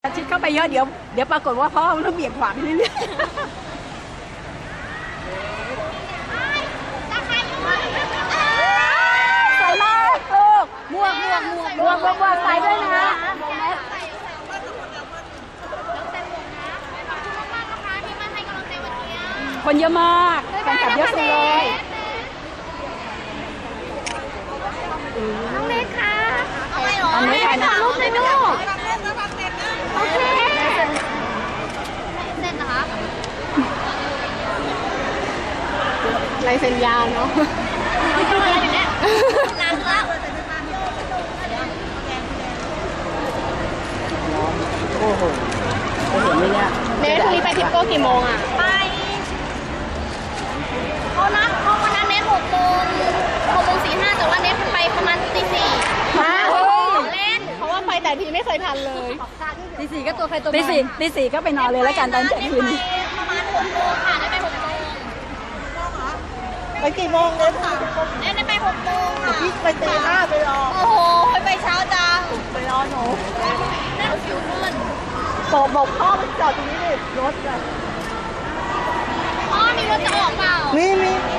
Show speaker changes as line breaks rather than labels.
ชิดเข้าไปเยอะเดี๋ยวปรากฏว่าพ่อมันต้องเบี่ยงขวาไปเรื่อยๆใส่มากลูกหมวกใส่ด้วยนะคนเยอะมากแฟนคลับเยอะสุดเลย
น้องเล็กค่ะเอาไปหรอ
อันนี้ใครนะ
รูปเลยลูกโอเคเส้นนะคะ
ลายเซ็นยาวเนาะ
ไม่ต้องอะไรอยู่เนี่ยล้างแล้ว
โอ้โหจะเห็นไหมเนี่ย
เนทพรุ่งนี้ไปทิปโก้กี่โมงอ่ะไปเขานัดเขาวันนั้นเนท6:45แต่ว่าเนทไปประมาณตี 4เล่นเพราะว่าไปแต่ทีไม่เคยทันเลย
ตีสี่ก็ตัวใครตัวตีสี่ก็ไปนอนเลยแล้วกันตอนเที่ยงคืน
ประมาณ6 โมงค่ะได้ไป6 โมง
ไปกี่โมงเนี่ย
ได้ไป6 โมงค่ะ
พี่ไปตีหน้าไปรอ
โอ้โหไปเช้าจัง
ไปรอหนู
นั่งคิวขึ้น
บอกพ่อไปจอดตรงนี้ดิรถอะ
พ่อมีรถจะออกเปล่า
มี